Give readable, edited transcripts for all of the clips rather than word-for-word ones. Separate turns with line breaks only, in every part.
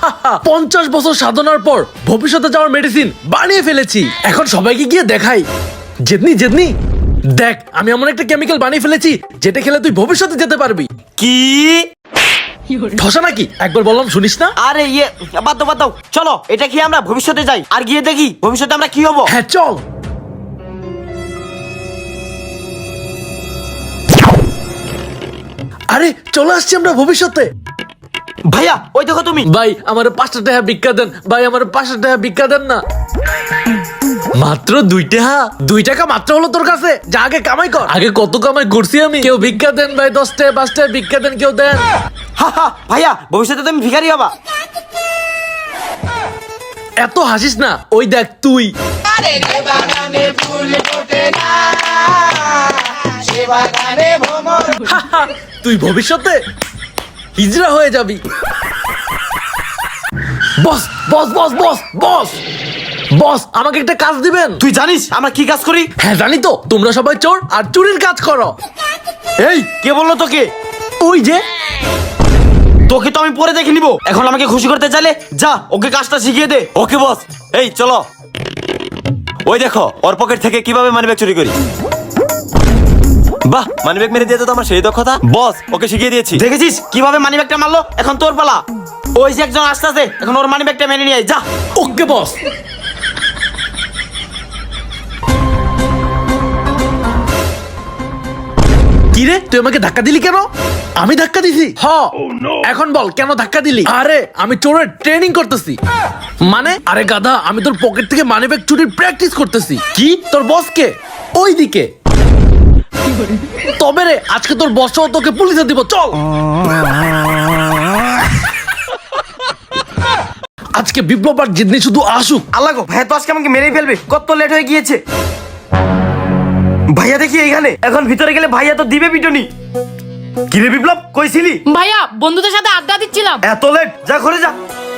50 বছর সাধনার পর ভবিষ্যতে যাওয়ার মেডিসিন বানিয়ে ফেলেছি। এখন সবাইকে গিয়ে দেখাই। জেদনি জেদনি দেখ, আমি এমন একটা কেমিক্যাল বানিয়ে ফেলেছি যেটা খেলে তুই ভবিষ্যতে যেতে পারবি।
কি?
ঠসা নাকি? একবার বললাম শুনিস না?
আরে বাদ দাও, চলো এটা খেয়ে আমরা ভবিষ্যতে যাই আর গিয়ে দেখি ভবিষ্যতে আমরা কি হবো।
হ্যাঁ চল। আরে চলে আসছি আমরা ভবিষ্যতে।
ভাইয়া ওই দেখো তুমি।
ভাই আমার 5টা টাকা ভিক্ষা দেন, ভাই আমার 5টা টাকা ভিক্ষা দেন না। মাত্র 2 টাকা? 2 টাকা মাত্র হলো তোর কাছে? যা আগে কামাই কর। আগে কত কামাই করছি আমি। কেউ ভিক্ষা দেন ভাই, 10 টাকা 5 টাকা ভিক্ষা দেন, কেউ দেন।
ভাইয়া ভবিষ্যতে তুমি ভিখারি হবা।
এত হাসিস না, ওই দেখ তুই। তুই ভবিষ্যতে হিজড়া হয়ে যাবি। বস বস বস বস বস বস, আমাকে একটা কাজ দিবেন?
তুই জানিস আমরা কি কাজ করি?
হ্যাঁ জানি তো, তোমরা সবাই চোর আর চুরির কাজ করো।
এই কে বললো তোকে?
ওই যে।
তোকে তো আমি পরে দেখে নিব, এখন আমাকে খুশি করতে চাইলে যা ওকে কাজটা শিখিয়ে দে। ওকে বস, এই চলো। ওই দেখো ওর পকেট থেকে কিভাবে মানিব্যাগ চুরি করি। বাহ, মানিব্যাগ মেরে দিয়ে তো আমার সেই দক্ষতা। বস ওকে শিখিয়ে দিয়েছি। দেখেছিস কিভাবে মানিব্যাগটা মারলো? এখন তোর পালা। ওই যে একজন আসতেছে, এখন ওর মানিব্যাগটা মেরে নিয়ে আয়, যা।
ওকে বস। কিরে তুই আমাকে ধাক্কা দিলি কেন? আমি ধাক্কা দিছি? এখন বল কেন ধাক্কা দিলি? আরে আমি চোরের ট্রেনিং করতেছি। মানে? আরে গাধা, আমি তোর পকেট থেকে মানিব্যাগ চুরির প্র্যাকটিস করতেছি। কি তোর বস কে? ওই দিকে। তবে রে আজকে তোর বস তোকে পুলিশে দিব, চল। আজকে বিপ্লব আর জিদনি শুধু আসুক।
আল্লাহ গো, ভাইয়া তো আজকে আমাকে মেরেই ফেলবে, কত লেট হয়ে গিয়েছে। ভাইয়া দেখি এইখানে, এখন ভিতরে গেলে ভাইয়া তো দিবে পিটনি। কিরে বিপ্লব, কইছিলি?
ভাইয়া বন্ধুদের সাথে আড্ডা দিচ্ছিলাম।
এত লেট, যা ঘরে যা।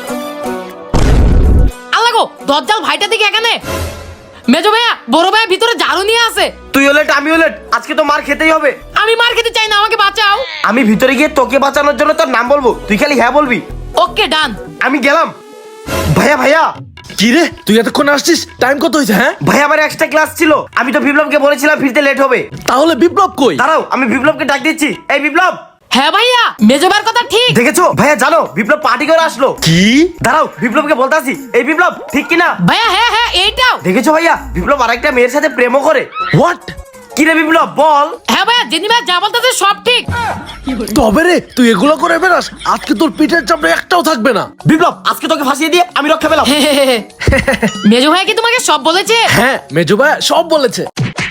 আল্লাহ গো, দজ্জাল ভাইটা দিকে এখানে। মেজো ভাইয়া বড় ভাইয়া ভিতরে ঝাড়ু নিয়ে আসে।
তুইও লেট আমিও লেট, আজকে তো মার খেতেই হবে।
আমি মার খেতে চাই না, আমাকে বাঁচাও।
আমি ভিতরে গিয়ে তোকে বাঁচানোর জন্য তোর নাম বলবো, তুই খালি হ্যাঁ বলবি।
ওকে ডান।
আমি গেলাম। ভাইয়া
কিরে তুই এতক্ষণ আসছিস? টাইম কত হয়েছে? হ্যাঁ
ভাইয়া আমার এক্সট্রা ক্লাস ছিল, আমি তো বিপ্লবকে বলেছিলাম ফিরতে লেট হবে।
তাহলে বিপ্লব কই?
দাঁড়াও আমি বিপ্লবকে ডাক দিচ্ছি। এই বিপ্লব।
হ্যাঁ ভাইয়া, মেজো ভাইয়ের কথা ঠিক।
দেখেছো ভাইয়া, জানো বিপ্লব পার্টি করে আসলো।
কি?
দাঁড়াও বিপ্লবকে বলতাছি। এই বিপ্লব, ঠিক কিনা?
ভাইয়া হ্যাঁ এইটাও।
দেখেছো ভাইয়া, বিপ্লব আরেকটা মেয়ের সাথে প্রেমও করে।
হোয়াট?
কিরে বিপ্লব বল।
হ্যাঁ ভাইয়া, যেদিন ভাই যা বলতেছে সব ঠিক।
তবে রে তুই এগুলো করে বেড়াস, আজকে তোর পিঠের চামড়া একটাও থাকবে না।
বিপ্লব আজকে তোকে ফাঁসিয়ে দিয়ে আমি রক্ষা পেলাম।
মেজো ভাইয়া কি তোমাকে সব বলেছে?
হ্যাঁ মেজো ভাই সব বলেছে।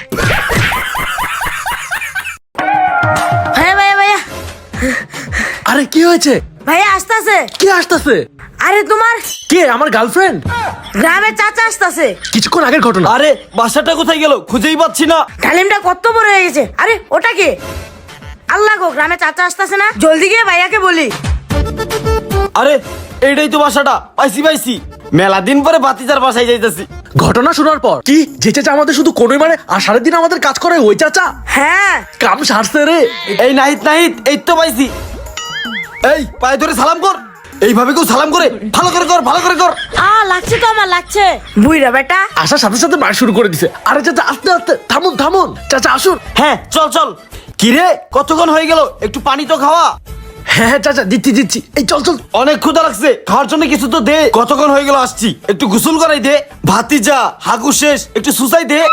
ভাইয়া
আরে কি হয়েছে?
ভাইয়া আসতেছে।
কে আসতেছে?
আরে তোমার
কে? আমার গার্লফ্রেন্ড?
গ্রামের চাচা আসতেছে।
কিছুক্ষণ আগের ঘটনা।
আরে বাসাটা কোথায় গেল, খুঁজেই পাচ্ছি না।
ডালিমটা কত বড় হয়ে গেছে। আরে ওটা কে? আল্লাহ গো, গ্রামে চাচা আসতেছে না, জলদি গিয়ে ভাইয়াকে বলি।
আরে এইটাই তো বাসাটা, পাইছি। মেলা দিন পরে বাতিজার বাসায় যাইতেছি।
ঘটনা শোনার পর কি যে চাচা আমাদের শুধু কোনোই মারে আর সারাদিন আমাদের কাজ করে ওই চাচা?
হ্যাঁ
কাম সারছে রে।
এই নাহিদ এই তো পাইছি। এই পায়ে ধরে সালাম কর। এইভাবে কেউ সালাম করে? ভালো করে কর।
লাগছে তো, আমার লাগছে। বুইরা বেটা
আসার সাথে সাথে মার শুরু করে দিছে। আরে চাচা আস্তে আস্তে, থামুন চাচা আসুন।
হ্যাঁ চল। কিরে কতক্ষণ হয়ে গেল, একটু পানি তো খাওয়া।
হ্যাঁ চাচা দিচ্ছি। এই চল।
অনেক ক্ষুধা লাগছে, খাওয়ার জন্য কিছু তো দে। কতক্ষণ হয়ে গেল আসছি, একটু গোসল করাই দে। ভাতিজা হাগু শেষ, একটু সুসাই দে।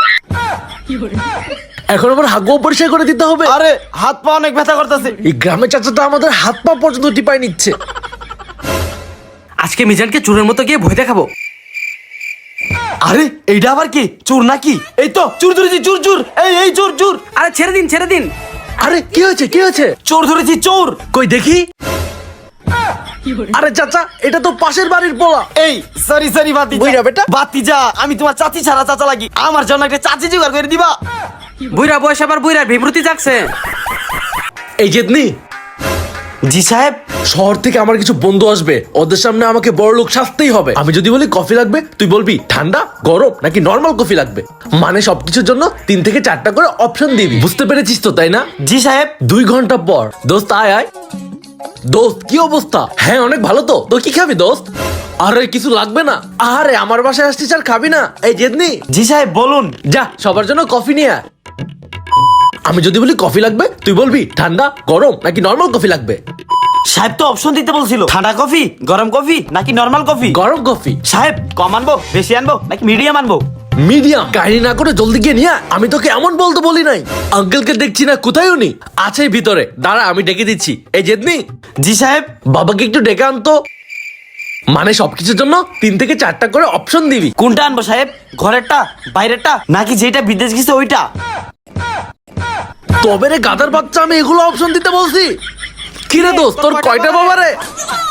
এখন আবার হাগু পরিষ্কার করে দিতে হবে?
আরে হাত পা অনেক ব্যথা করতেছে।
এই গ্রামের চাচাটা আমাদের হাত পা পর্যন্ত টিপাই নিচ্ছে।
আজকে মিজানকে চোরের মতো গিয়ে ভয় দেখাবো। আরে এইটা আবার কি, চোর নাকি? এই তো চোর ধরেছি, চোর। এই চোর। আরে ছেড়ে দিন।
আরে কি হয়েছে?
চোর ধরেছি, চোর।
কই দেখি। আরে চাচা এটা তো পাশের বাড়ির পোলা।
এই সরি
বুইড়া বেটা।
বাতিজা, আমি তোমার চাচি ছাড়া চাচা লাগি, আমার জন্য একটা চাচি জোগাড় করে দিবা। বুইড়া বয়স আবার বুইড়ার বিভ্রতি জাগছে।
এই জেদনি।
জি সাহেব।
শহর থেকে আমার কিছু বন্ধু আসবে, ওদের সামনে আমাকে বড় লোক সাজতেই হবে। আমি যদি বলি কফি লাগবে, তুই বলবি ঠান্ডা, গরম নাকি নর্মাল কফি লাগবে। মানে সবকিছুর জন্য 3 থেকে 4টা করে অপশন দিবি। বুঝতে পেরেছিস তো তাই না?
জি সাহেব।
2 ঘন্টা পর দোস্ত আয়। দোস্ত কি অবস্থা? হ্যাঁ অনেক ভালো তো। তো কি খাবি দোস্ত? আরে কিছু লাগবে না। আরে আমার বাসায় আসছিস আর খাবি না? এই জেদনি,
জি সাহেব বলুন।
যা সবার জন্য কফি নিয়ে আয়। আমি যদি বলি কফি লাগবে, তুই বলবি ঠান্ডা, গরম নাকি নর্মাল কফি লাগবে।
সাহেব তো অপশন দিতে বলছিল, ঠান্ডা কফি, গরম কফি নাকি নর্মাল কফি।
গরম কফি।
সাহেব কম আনবো, বেশি আনবো নাকি মিডিয়াম আনবো?
মিডিয়াম। কাহিনী না করে জলদি গিয়ে নিয়ে আয়। আমি তোকে এমন বলতে বলি নাই। আঙ্কেলকে দেখছি না, কোথায় উনি? আছে ভিতরে, দাঁড়া আমি ডেকে দিচ্ছি। এই জেদনি,
জি সাহেব।
বাবাকে একটু ডেকে আনতো। মানে সবকিছুর জন্য 3 থেকে 4টা করে অপশন দিবি।
কোনটা আনবো সাহেব? ঘরেরটা, বাইরেরটা নাকি যেটা বিদেশ গেছে ওইটা?
তবে রে গাধার বাচ্চা, আমি এগুলো অপশন দিতে বলছি। কিরে দোস্ত, তোর কয়টা বাবা রে?